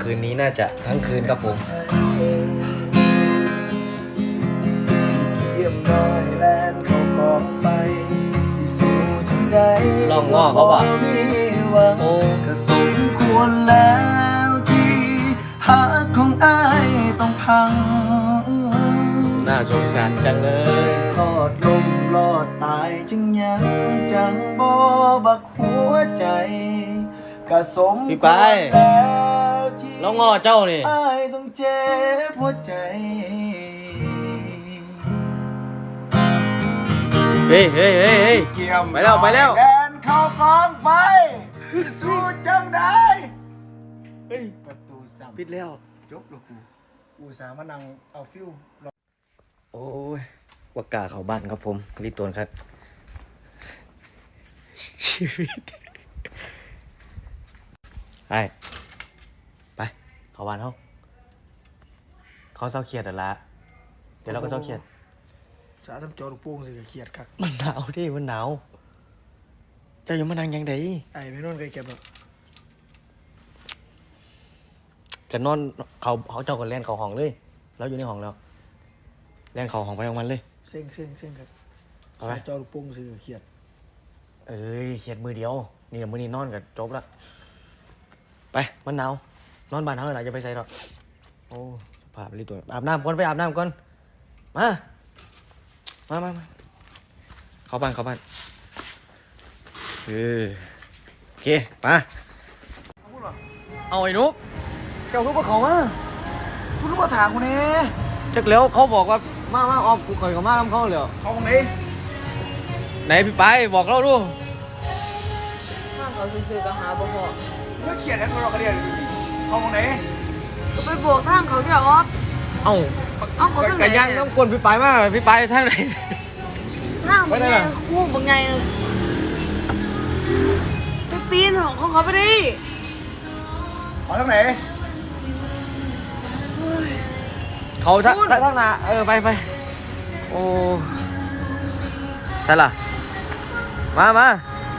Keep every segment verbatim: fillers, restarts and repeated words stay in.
คืนนี้น่าจะทั้งคืนครับผมเยี่ยมน้อยแลนเขากองไฟสิสู้จังใดลองง้อเขาป่ะโอ้ก็สมควรแล้วที่หักของอ้ายต้องพังน่าสงสารจังเลยรอดลมรอดตายจึงยังจังบ่บักหัวใจก็สมพี่คไปวรแล้วที่แล้วง้อเจ้านี่อ้ายต้องเจ็บหัวใจเฮ้ยเฮ้ยเฮ้ยเฮ้ยเกี่ยมไปแล้วไปแล้วแดนเข้ากองไฟสู้จังได้เฮ้ยประตูสั่งปิดแล้วจบแล้วกูกูสามานั่งเอาฟิวโอ้ยว่ากาเขาบ้านครับผมรีตวนครับชีวิตไปไปเขาบ้านเขาเขาเศร้าเครียดอ่ะละเดี๋ยวเราก็เศร้าเครียดสาทำจอลูกโป่งสิเครียดครับมันหนาวดิมันหนาวเจะอยู่มานั่งยังไงไอ้ไม่นอนเคยเก็บหรอกจะนอนเขาเขาเจ้ากันเล่นเขาห้องเลยแล้วอยู่ในห้องแล้วเล่นเขาห้องไปของมันเลยเซ็งเซ็งเซ็งครับเอาไหมสาจอลูกโป่งสิเครียดเอ้ยเครียดมือเดียวนี่เดี๋ยวมือนี้นอนกับจบละไปมันหนาวนอนบ้านเขาเลยจะไปใส่หรอกโอ้สภาพรีตัวอาบน้ำก่อนไปอาบน้ำก่อนมามามามาเข้าบ้านเข้าบ้านเออโอเคไปเอาไอ้นุ๊กเจ้านุ๊กมาเขามาคุณรู้ว่าถามกูเนี่ยจักแล้วเขาบอกว่ามามาออกกูข่อยกับมาทำเขาเลยเขาตรงไหนไหนพี่ไปบอกเราดูถ้าเขาซื้อๆก็หาบ่พอเมื่อเครียดแล้วเราก็เรียนเขาตรงไหนก็ไปโบกทางเขาเดี๋ยวออฟเอ้าเอาเขาทางไหนกระยังต้องกวนพี่ไปมากพี่ไปท่านไหนทางเป็นไงคู่เป็นไงไปปีนของเขาไปดิเขาตรงไหนเขาทักทักนาเออไปไปโอ้ใช่ล่ะมามา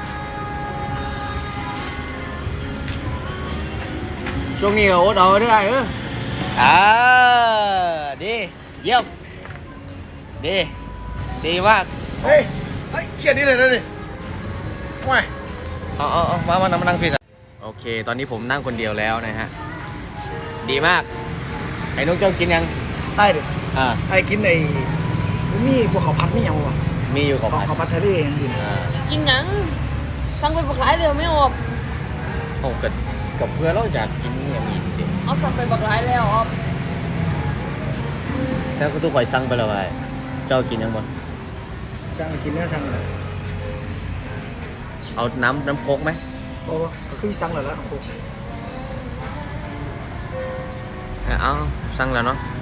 ช่วงนี้โอ๊ตเอาได้เอออ่าดีเยี่ยมดีดีมากเฮ้ยเฮ้ยเครียดนี่เลยนะนี่ว้ายเอาเอาเอามามานั่งมานั่งผิดโอเคตอนนี้ผมนั่งคนเดียวแล้วนะฮะดีมากไอ้นุ๊กเจ้ากินยังไอ้เด็กอ่าไอ้กินไอ้มีพวกเขาพัดไม่ยังวะมีอยู่ของเขาผัดเขาพัดทะเลจริงอ่ากินหยังสั่งไปบักหลายเดียวไม่ออกโอ้กับกับเพื่อนเราอยากกินอย่างนี้ดิเอาสั่งไปบักหลายแล้วออฟแต่ก็ทุกข่อยสั่งไปแล้วไอ้เจ้ากินยังบ่ๆสั่งกินเนื้อสั่งเลยเอาน้ำน้ำโค้กไหมบอกว่าเขาคือสั่งแล้วนะโอ้เอาสั่งแล้วเนาะ